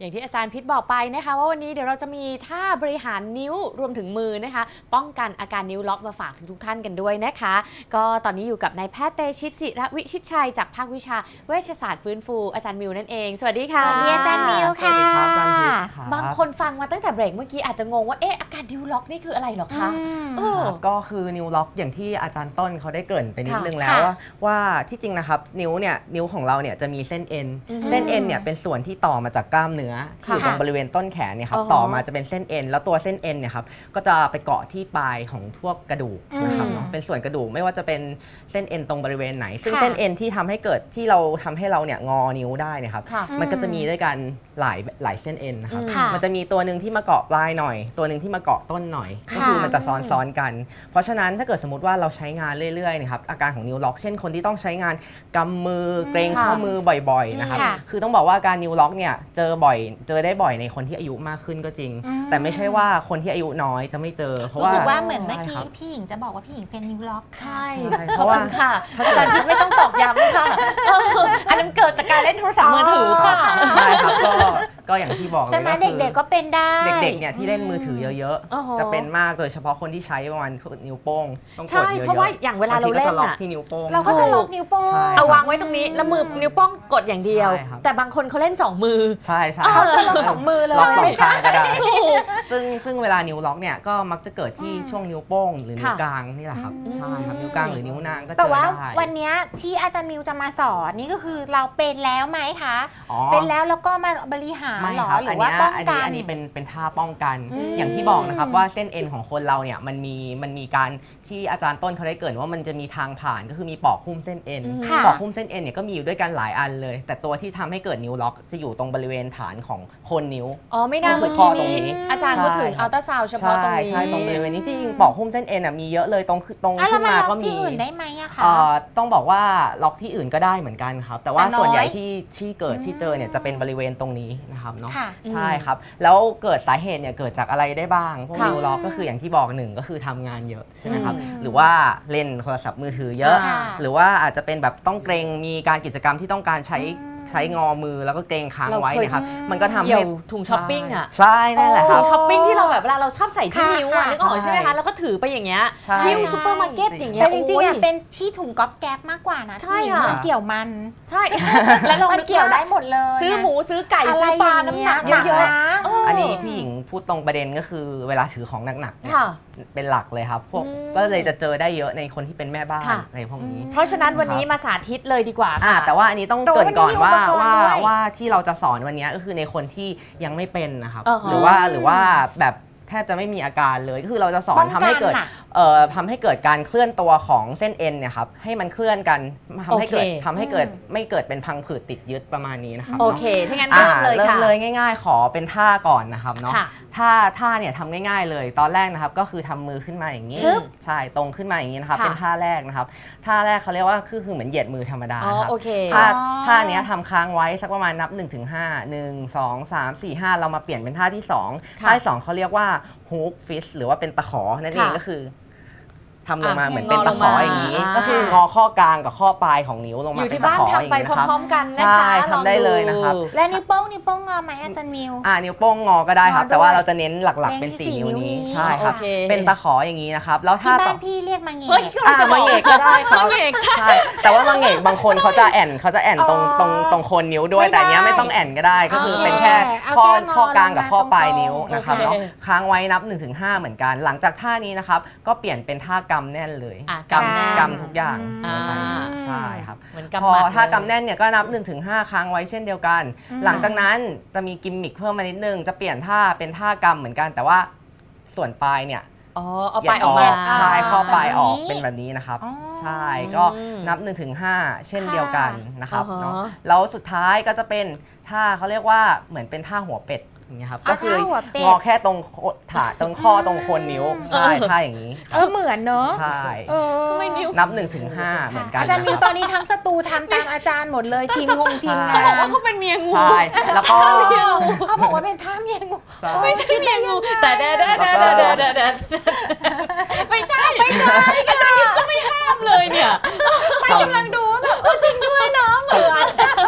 อย่างที่อาจารย์พิษบอกไปนะคะว่าวันนี้เดี๋ยวเราจะมีท่าบริหารนิ้วรวมถึงมือนะคะป้องกันอาการนิ้วล็อกมาฝากทุกท่านกันด้วยนะคะก็ตอนนี้อยู่กับนายแพทย์เตชิตจิระวิชิตชัยจากภาควิชาเวชศาสตร์ฟื้นฟูอาจารย์มิวนั่นเองสวัสดีค่ะสวัสดีอาจารย์มิวค่ะบางคนฟังมาตั้งแต่เบรกเมื่อกี้อาจจะงงว่าอาการนิ้วล็อกนี่คืออะไรหรอคะก็คือนิ้วล็อกอย่างที่อาจารย์ต้นเขาได้เกริ่นไปนิดนึงแล้วว่าที่จริงนะครับนิ้วของเราเนี่ยจะมีเส้นเอ็นเนี่ยเป็นส่วนที่ต่อมาจากกล้ามเนื้อที่อยู่ตรงบริเวณต้นแขนเนี่ยครับต่อมาจะเป็นเส้นเอ็นแล้วตัวเส้นเอ็นเนี่ยครับก็จะไปเกาะที่ปลายของพวกกระดูกนะครับเนาะเป็นส่วนกระดูกไม่ว่าจะเป็นเส้นเอ็นตรงบริเวณไหนซึ่งเส้นเอ็นที่ทำให้เราเนี่ยงอนิ้วได้เนี่ยครับมันก็จะมีด้วยกันหลายเส้นเอ็นนะครับมันจะมีตัวหนึ่งที่มาเกาะปลายหน่อยตัวหนึ่งที่มาเกาะต้นหน่อยก็คือมันจะซ้อนกันเพราะฉะนั้นถ้าเกิดสมมติว่าเราใช้งานเรื่อยๆนะครับอาการของนิ้วล็อกเช่นคนที่ต้องใช้งานกำมือเกรงข้อมือบ่อยๆนะครับคือต้องบอกว่าการนิ้วล็อกเนี่ยเจอได้บ่อยในคนที่อายุมากขึ้นก็จริงแต่ไม่ใช่ว่าคนที่อายุน้อยจะไม่เจอเพราะว่าเหมือนเมื่อกี้พี่หญิงจะบอกว่าพี่หญิงเป็นนิ้วล็อกใช่เพราะว่าค่ะอาจารย์พิษไม่ต้องตอกย้ำค่ะอันนั้นเกิดจากการเล่นโทรศัพท์มือถือค่ะใช่ครับก็อย่างที่บอกเลยใช่ไหมเด็กๆก็เป็นได้เด็กๆเนี่ยที่เล่นมือถือเยอะๆจะเป็นมากโดยเฉพาะคนที่ใช้ประมาณนิ้วโป้งต้องกดเยอะๆเพราะว่าอย่างเวลาเราเล่นล็อกที่นิ้วโป้งเราก็จะล็อกนิ้วโป้งเอาวางไว้ตรงนี้แล้วมือนิ้วโป้งกดอย่างเดียวแต่บางคนเขาเล่น2มือใช่เขาจะล็อก2มือเลยล็อก2ข้างก็ได้ซึ่งเวลานิ้วล็อกเนี่ยก็มักจะเกิดที่ช่วงนิ้วโป้งหรือนิ้วกลางนี่แหละครับใช่ครับนิ้วกลางหรือนิ้วนางก็เจอได้แต่ว่าวันนี้ที่อาจารย์มิวจะมาสอนนี่ก็คือเราเป็นแล้วไหมคะเป็นแล้วก็มาบริหารหรอหรือว่าป้องกันอันนี้เป็นท่าป้องกันอย่างที่บอกนะครับว่าเส้นเอ็นของคนเราเนี่ยมันมีการที่อาจารย์ต้นเขาได้เกริ่นว่ามันจะมีทางผ่านก็คือมีปอกหุ้มเส้นเอ็นปอกหุ้มเส้นเอ็นเนี่ยก็มีอยู่ด้วยกันหลายอันเลยแต่ตัวที่ทำให้เกิดนิ้วล็อกจะอยู่ตรงบริเวณฐานของโคนนิ้วไม่น่าเมื่อกี้นี้อาจารย์พูดถึงอัลตราซาวด์เฉพาะตรงนี้ใช่ตรงบริเวณนี้จริงๆปอกหุ้มเส้นเอ็นมีเยอะเลยตรงขึ้นมาก็มีที่อื่นได้ไหมอะคะต้องบอกว่าล็อกที่อื่นก็ได้เหมือนกันครับแต่ว่าส่วนใหญ่ที่เกิดที่เจอเนี่ยจะเป็นบริเวณตรงนี้นะครับเนาะใช่ครับแล้วเกิดสาเหตุเนี่ยเกิดจากอะไรได้บ้างพวกนิ้วล็อกก็คืออย่างที่บอกหนึ่งก็คือทำงานเยอะใช่ไหมครับหรือว่าเล่นโทรศัพท์มือถือเยอะหรือว่าอาจจะเป็นแบบต้องเกรงมีการกิจกรรมที่ต้องการใช้งอมือแล้วก็เกรงค้างไว้นะครับมันก็ทำให้ถุงช้อปปิ้งอ่ะใช่นั่นแหละครับถุงช้อปปิ้งที่เราแบบเวลาเราชอบใส่ที่นิ้วอ่ะนึกออกใช่ไหมคะแล้วก็ถือไปอย่างเงี้ยที่ซูเปอร์มาร์เก็ตอย่างเงี้ยแต่จริงๆเป็นที่ถุงก๊อบแก๊บมากกว่านะใช่ค่ะเกี่ยวมันใช่แล้วเราเกี่ยวได้หมดเลยซื้อหมูซื้อไก่ซื้อปลาน้ำหนักเยอะๆอันนี้พี่หญิงพูดตรงประเด็นก็คือเวลาถือของหนักๆเป็นหลักเลยครับพวกก็เลยจะเจอได้เยอะในคนที่เป็นแม่บ้านในพวกนี้เพราะฉะนั้นวันนี้มาสาธิตเลยดีกว่าค่ะแต่ว่าอันนี้ต้องเกริ่นก่อนว่าที่เราจะสอนวันนี้ก็คือในคนที่ยังไม่เป็นนะครับหรือว่าแบบแทบจะไม่มีอาการเลยก็คือเราจะสอนทำให้เกิดการเคลื่อนตัวของเส้นเอ็นเนี่ยครับให้มันเคลื่อนกันทำให้เกิดไม่เกิดเป็นพังผืดติดยึดประมาณนี้นะครับโอเคถ้างั้นเริ่มเลยค่ะเริ่มเลยง่ายๆขอเป็นท่าก่อนนะครับเนาะท่าเนี่ยทำง่ายๆเลยตอนแรกนะครับก็คือทำมือขึ้นมาอย่างนี้ใช่ตรงขึ้นมาอย่างนี้นะครับเป็นท่าแรกนะครับท่าแรกเขาเรียกว่าคือเหมือนเหยียดมือธรรมดาครับท่านี้ทำค้างไว้สักประมาณนับ 1-5 1 2 3 4 5เรามาเปลี่ยนเป็นท่าที่2ท่าที่2เขาเรียกว่าฮุกฟิชหรือว่าเป็นตะขอนั่นเองก็คือทำลงมาเหมือนเป็นตะขออย่างนี้ก็คืองอข้อกลางกับข้อปลายของนิ้วลงมาเป็นตะขออย่างนี้นะครับพร้อมกันนะคะใช่ทำได้เลยนะครับและนิ้วโป้งงอไหมอาจารย์มิวนิ้วโป้งงอก็ได้ครับแต่ว่าเราจะเน้นหลักๆเป็น4นิ้วนี้ใช่ครับเป็นตะขออย่างนี้นะครับแล้วถ้าบ้านพี่เรียกมังเงกมังเงกก็ได้ครับใช่แต่ว่ามังเงกบางคนเขาจะแอนตรงโคนนิ้วด้วยแต่อันนี้ไม่ต้องแอนก็ได้ก็คือเป็นแค่ข้อกลางกับข้อปลายนิ้วนะครับเนาะค้างไว้นับ 1-5เหมือนกันหลังจากท่านี้นะครับก็เปลี่ยนเป็นท่ากำแน่นเลยกำทุกอย่างใช่ครับพอถ้ากำแน่นเนี่ยก็นับ 1-5 ครั้งไว้เช่นเดียวกันหลังจากนั้นจะมีกิมมิคเพิ่มมานิดนึงจะเปลี่ยนท่าเป็นท่ากำเหมือนกันแต่ว่าส่วนปลายเนี่ยเอาปลายออกมาใช่ข้อปลายออกเป็นแบบนี้นะครับใช่ก็นับ 1-5 เช่นเดียวกันนะครับเนาะแล้วสุดท้ายก็จะเป็นท่าเขาเรียกว่าเหมือนเป็นท่าหัวเป็ดอย่างเงี้ยครับก็คืองอแค่ตรงข้อตรงโคนนิ้วใช่ท่าอย่างนี้เหมือนเนอะใช่นับ 1-5เหมือนกันอาจารย์มิวตอนนี้ทั้งสตูทำตามอาจารย์หมดเลยทีมงงทีมงานเขาบอกว่าเขาเป็นเมียงูใช่แล้วก็เขาบอกว่าเป็นท่าเมียงูไม่ใช่เมียงูแต่ไม่ใช่อาจารย์ก็ไม่ห้ามเลยเนี่ยไม่กำลังดูแบบจริงด้วยเนาะเหมือน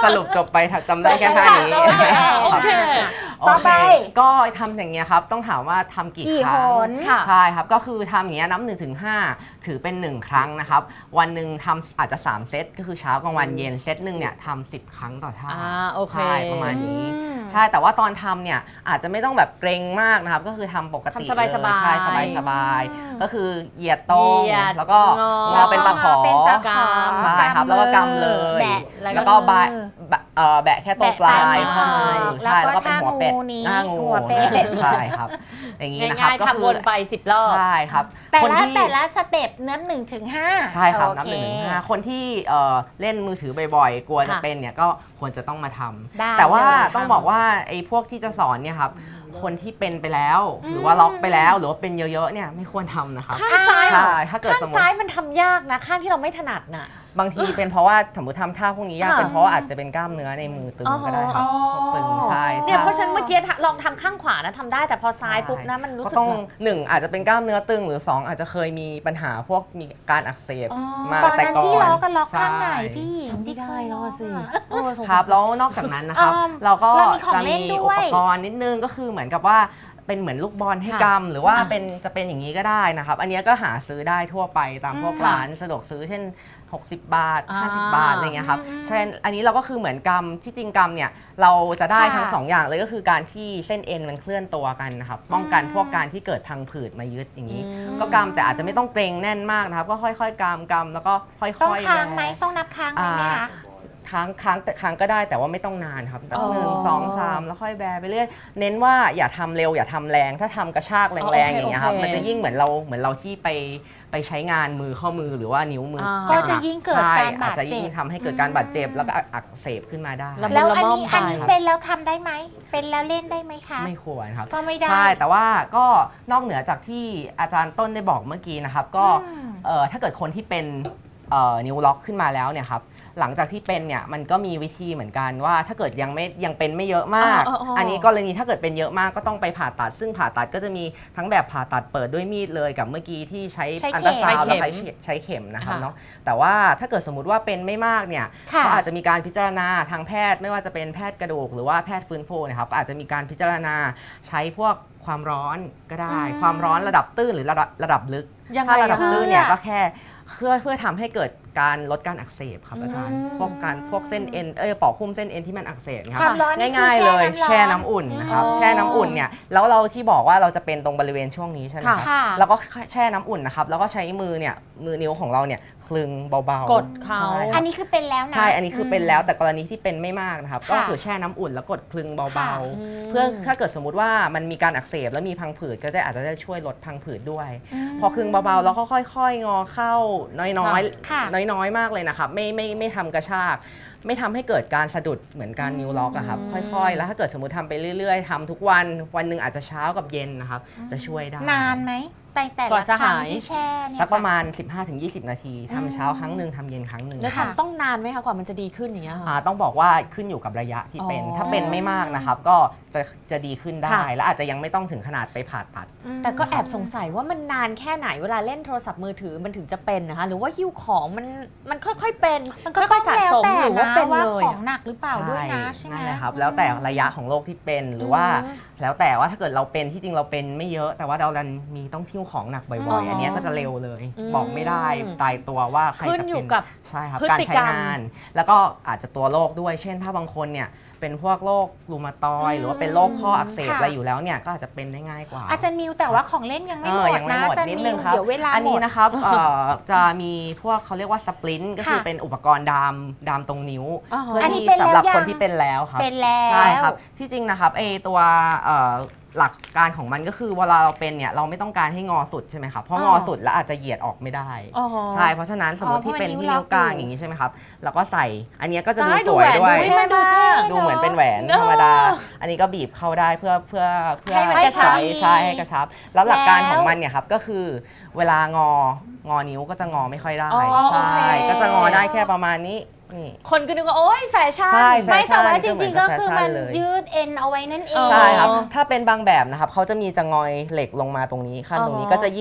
สรุปจบไปจำได้แค่ท่านี้โอเคต่อไปก็ทำอย่างเงี้ยครับต้องถามว่าทำกี่ครั้หงนค่ะใช่ครับก็คือทำอย่างเงี้ยนับ1 ถึง 5ถือเป็น1ครั้งนะครับวันหนึ่งทำอาจจะ3เซตก็คือเช้ากลางวันเย็นเซตหนึ่งเนี่ยทำ10 ครั้งต่อท่าโอเคใช่ประมาณนี้อืมใช่แต่ว่าตอนทำเนี่ยอาจจะไม่ต้องแบบเกรงมากนะครับก็คือทำปกติทำสบายๆใช่สบายๆก็คือเหยียดตรงเหยียดแล้วก็งองอเป็นตะขอเป็นตะขอใช่ครับแล้วก็กำเลยแบะแล้วก็แบะแค่ตรงปลายข้อมือใช่แล้วก็เป็นหัวเป็ดนี้หน้างูหัวเป็ดใช่ครับอย่างนี้นะครับง่ายก็ๆทำวนไป10 รอบใช่ครับแต่คนละที่แต่ละสเต็ปนับ1 ถึง 5 ใช่ครับนับโอ 1 ถึงเค 5คนที่เล่นมือถือบ่อยๆ กลัวจะค่ะเป็นเนี่ยก็ควรจะต้องมาทำได้แต่ว่าเลยต้องบอกว่าไอ้พวกที่จะสอนเนี่ยครับคนที่เป็นไปแล้ว หรือว่าล็อกไปแล้วหรือว่าเป็นเยอะๆเนี่ยไม่ควรทำนะครับข้างซ้ายเหรอใช่ถ้าเกิดข้างสมมติซ้ายมันทำยากนะ ข้างที่เราไม่ถนัดน่ะบางทีเป็นเพราะว่าสมมติทำท่าพวกนี้ยากค่ะเป็นเพราะว่าอาจจะเป็นกล้ามเนื้อในมือตึงก็ได้ครับอ๋อตึงใช่เนี่ยเพถ้าราะฉะนันเมื่อกี้ลองทำข้างขวานะทำได้แต่พอซ้ายปุ๊บนะมันรู้ก็สึกต้องแบบ 1อาจจะเป็นกล้ามเนื้อตึงหรือ 2 อาจจะเคยมีปัญหาพวกมีการอักเสบอ๋อมาตอนแต่นั้นก่อนที่ล็อกกันล็อกข้างไหนใช่พี่จำไม่ได้แล้วอะสิโอ้สงคสารับแล้วนอกจากนั้นนะครับอ้อมเราก็เรามีของจะเล่มีนด้อุวยปกรณ์นิดนึงก็คือเหมือนกับว่าเป็นเหมือนลูกบอลให้ค่ะกำหรือว่าอ่ะจะเป็นอย่างนี้ก็ได้นะครับ อันเนี้ยก็หาซื้อได้ทั่วไปตามพวกค่ะร้านสะดวกซื้อเช่น 60 บาทอ่า 50 บาทอะไรเงี้ยครับใช่อันนี้เราก็คือเหมือนกำที่จริงกำเนี่ยเราจะได้ทั้งสองอย่างเลยก็คือการที่เส้นเอ็นมันเคลื่อนตัวกันนะครับป้องกันพวกการที่เกิดพังผืดมายึดอย่างนี้ ก็กำแต่อาจจะไม่ต้องเกรงแน่นมากนะครับ ก็ค่อยๆกำแล้วก็ค่อยๆต้องค้างไหมแบต้องนับค้างไหมไหมคะค้างก็ได้แต่ว่าไม่ต้องนานครับแบบอ๋อ 1 2 3แล้วค่อยแบไปเรื่อยเน้นว่าอย่าทำเร็วอย่าทำแรง ถ้าทำกระชากแรงๆอย่างเงี้ยครับโอเคมันจะยิ่งเหมือนเราที่ไปใช้งานมือข้อมือหรือว่านิ้วมือก็จะยิ่งเกิดการบาดเจ็บอาจจะยิ่งทำให้เกิดการบาดเจ็บแล้วก็อักเสบขึ้นมาได้ระบบแล้วอันนี้ละม่อมไปอันนี้เป็นแล้วทำได้ไหมเป็นแล้วเล่นได้ไหมคะไม่ควรครับก็ไม่ได้ใช่แต่ว่าก็นอกเหนือจากที่อาจารย์ต้นได้บอกเมื่อกี้นะครับก็อืมถ้าเกิดคนที่เป็นนิ้วล็อกขึ้นมาแล้วเนี่ยครับหลังจากที่เป็นเนี่ยมันก็มีวิธีเหมือนกันว่าถ้าเกิดยังเป็นไม่เยอะมาก อันนี้กรณีถ้าเกิดเป็นเยอะมากก็ต้องไปผ่าตัด ซึ่งผ่าตัดก็จะมีทั้งแบบผ่าตัดเปิดด้วยมีดเลยกับเมื่อกี้ที่ใช้ใช้อันเข็ตมราซาวด์แล้วใช้ใช้เข็มนะครับค่ะเนาะแต่ว่าถ้าเกิดสมมติว่าเป็นไม่มากเนี่ยค่ะเขาอาจจะมีการพิจารณาทางแพทย์ไม่ว่าจะเป็นแพทย์กระดูกหรือว่าแพทย์ฟื้นฟูนะครับอาจจะมีการพิจารณาใช้พวกความร้อนก็ได้ ความร้อนระดับตื้นหรือระดับลึกยังไงถ้าระดับอะตื้นเนี่ยอะก็แค่เพื่อทำให้เกิดการลดการอักเสบครับอาจารย์ พวกเส้นเอ็นปอกหุ้มเส้นเอ็นที่มันอักเสบครัความร้อนนี่คือง่ายๆเลยแช่แช่น้ำร้อนน้ำอุ่นนะครับอ๋อแช่น้ำอุ่นเนี่ยแล้วเราที่บอกว่าเราจะเป็นตรงบริเวณช่วงนี้ใช่ไหมครับค่ะแล้วก็แช่น้ำอุ่นนะครับแล้วก็ใช้มือนิ้วของเราเนี่ยคลึงเบาๆกดเขาใช่คอัรันบนี้คือเป็นแล้วนะใช่อันนี้คือเป็นแล้วแต่กรณีที่เป็นไม่มากนะครับค่ะก็คือแช่น้ำอุ่นแล้วกดคลึงเบาค่ะๆ เพื่อถ้าเกิดสมมติว่ามันมีการอักเสบแล้วมีพังผืดก็จะอาจจะได้ช่วยลดพังผืดด้วย พอคลึงเบาๆแล้วก็ค่อยๆ งอเข้าน้อยค่ะๆน้อยๆมากเลยนะครับไม่ทำกระชาก ไม่ทำให้เกิดการสะดุดเหมือนการนิ้วล็อกอะครับค่อยๆ แล้วถ้าเกิดสมมติทำไปเรื่อยๆทำทุกวันหนึ่งอาจจะเช้ากับเย็นนะครับจะช่วยได้นานไหมแต่กว่าละจะครั้งหายที่แช่เนี่ยสักประมาณค่ 15-20 นาทีทำเช้าครั้งหนึ่งทำเย็นครั้งหนึ่งแล้วค่ะทำต้องนานไหมคะกว่ามันจะดีขึ้นอย่างเงี้ยค่ะต้องบอกว่าขึ้นอยู่กับระยะที่เป็นอ๋อถ้าเป็นไม่มากนะครับก็จะดีขึ้นได้ค่ะและอาจจะยังไม่ต้องถึงขนาดไปผ่าตัดแต่ก็แอบสงสัยว่ามันนานแค่ไหนเวลาเล่นโทรศัพท์มือถือมันถึงจะเป็นนะคะหรือว่าหิ้วของมันค่อยๆเป็นมันก็ค่อยๆสะสมหรือว่าเป็นว่าเลยของอะหนักหรือเปล่าด้วยนะใช่ไหมนั่นแหละครับแล้วแต่ระยะของโรคที่เป็นหรือว่า แล้วแต่ว่าถ้าเกิดเราเป็นที่จริงเราเป็นไม่เยอะ แต่ว่าเราดันมีต้องทิ้วของหนักบ่อยๆ อันเนี้ยก็จะเร็วเลย บอกไม่ได้ตายตัวว่าใครขึ้นจะอยู่เป็นกับใช่ครับพฤการติใช้กรรมงาน แล้วก็อาจจะตัวโรคด้วย เช่นถ้าบางคนเนี่ยเป็นพวกโรครูมาตอยด์หรือว่าเป็นโรคข้ออักเสบค่ะอะไรอยู่แล้วเนี่ยก็อาจจะเป็นได้ง่ายกว่าอาจารย์มิวแต่ว่าของเล่นยังไม่หมดยังไม่นะหมดอาจารย์นิดมินึวงครับเดี๋ยวเวลาอันหมนี้ดนะครับจะมีพวกเขาเรียกว่าสปรินต์ก็คือค่ะเป็นอุปกรณ์ดามตรงนิ้วอ๋อเพื่ออันนี้ที่เป็นแล้วสำหรับยังคนที่เป็นแล้วครับเป็นแล้วใช่ครับที่จริงนะครับตัวหลักการของมันก็คือเวลาเราเป็นเนี่ยเราไม่ต้องการให้งอสุดใช่ไหมครับเพราะงอสุดแล้วอาจจะเหยียดออกไม่ได้อ๋อใช่เพราะฉะนั้นสมมติที่เป็นที่นิ้วกลางอย่างนี้ใช่ไหมครับแล้วก็ใส่อันเนี้ยก็จะดูได้สดูวยแหวนด้วยดูให้มันดูเท่ดูเหมือนเป็นแหวนธรรมดา อันนี้ก็บีบเข้าได้เพื่อให้มันกระชับใช่ให้กระชับ แล้วหลักการของมันเนี่ยครับก็คือเวลางอนิ้วก็จะงอไม่ค่อยได้อ๋อใช่โอเคก็จะงอได้แค่ประมาณนี้นี่คนก็นึกว่าโอ๊ยแฟชั่นใช่ไม่แต่ว่าจก็เหมืริอนงๆก็แฟคือชั่นมันเลยยืดเอ็นเอาไว้นั่นเองใช่ครับอ๋อถ้าเป็นบางแบบนะครับเขาจะมีจะงอยเหล็กลงมาตรงนี้ขั้นตรงนี้อ๋อก็จะยิ่งท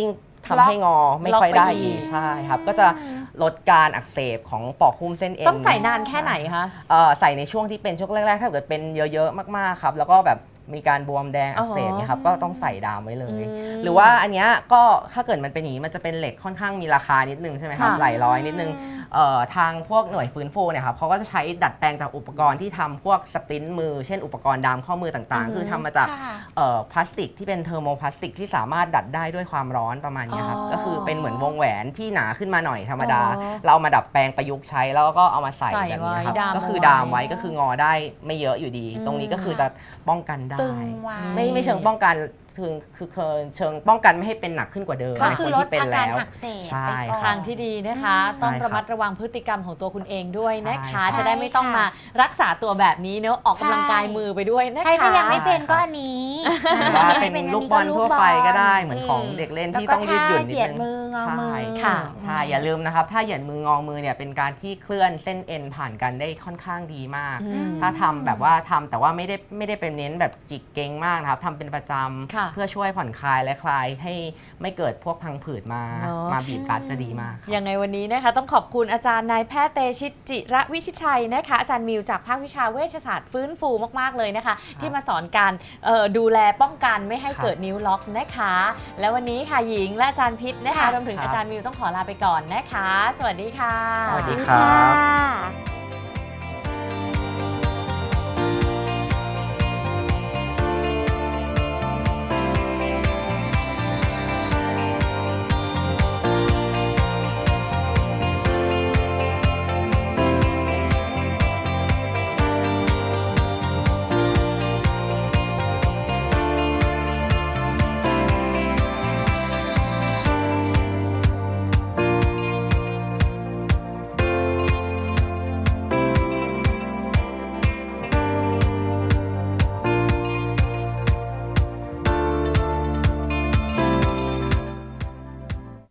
ทำให้งอไม่ค่อยได้ล็อกไปอีอีกกใช่ครับก็จะลดการอักเสบของปอกหุ้มเส้นเอ็นต้องใส่นานแค่ไหนคะใส่ในช่วงที่เป็นช่วงแรกๆถ้าเกิดเป็นเยอะๆมากๆครับแล้วก็แบบมีการบวมแดงอักเสบเนี่ยครับก็ต้องใส่ดามไว้เลย หรือว่าอันเนี้ยก็ถ้าเกิดมันเป็นอย่างนี้มันจะเป็นเหล็กค่อนข้างมีราคานิดนึงใช่ไหมครับค่ะหลายร้อยนิดนึงทางพวกหน่วยฟื้นฟูเนี่ยครับเขาก็จะใช้ดัดแปลงจากอุปกรณ์ที่ทำพวกสปรินต์มือเช่นอุปกรณ์ดามข้อมือต่างๆ คือทำมาจากค่ะพลาสติกที่เป็นเทอร์โมพลาสติกที่สามารถดัดได้ด้วยความร้อนประมาณเนี้ยครับอ๋อก็คือเป็นเหมือนวงแหวนที่หนาขึ้นมาหน่อยธรรมดาอ๋อเราเอามาดัดแปลงประยุกต์ใช้แล้วก็เอามาใส่ใส่แบบนี้ครับไว้ดามก็คือไว้ดามไว้ก็คืองอได้ไม่เยอะอยู่ดี ตรงนี้ก็คือจะป้องกันได้ตึงไว้ไม่เชิงป้องกันคือเชิงป้องกันไม่ให้เป็นหนักขึ้นกว่าเดิมก็ในคืคอน ลดที่เป็นอาการแล้วอักเสบใช่ไปก่อนทางที่ดีนะคะ ต้องใช่ครับระมัดระวังพฤติกรรมของตัวคุณเองด้วยนะคะใช่จะได้ไม่ต้องมารักษาตัวแบบนี้เนอะออกกำลังกายมือไปด้วยนะคะใครที่ยังไม่เป็นก็อันนี้หรือว่าเป็นลูกบอลทั่วไปก็ได้เหมือนของเด็กเล่นที่ต้องยืดหยุ่นนิดเหยียดนึงมืองอมือใช่ค่ะใช่อย่าลืมนะครับถ้าเหยียดมืองอมือเนี่ยเป็นการที่เคลื่อนเส้นเอ็นผ่านกันได้ค่อนข้างดีมาก ถ้าทำแบบว่าทำแต่ว่าไม่ได้เป็นเน้นแบบจิกเก่งมากนะครับทำเป็นประจค่ะำเพื่อช่วยผ่อนคลายและคลายให้ไม่เกิดพวกพังผืดมาเนอะมาบีบรัดจะดีมากครับยังไงวันนี้นะคะต้องขอบคุณอาจารย์นายแพทย์เตชิตจิระวิชิตชัยนะคะอาจารย์มิวจากภาควิชาเวชศาสตร์ฟื้นฟูมากๆเลยนะคะ ที่มาสอนการดูแลป้องกันไม่ให้ครับเกิดนิ้วล็อกนะคะ แล้ววันนี้ค่ะหญิงและอาจารย์พิษนะคะค่ะรวมถึงครับอาจารย์มิวต้องขอลาไปก่อนนะคะ สวัสดีค่ะสวัสดีดีครับค่ะ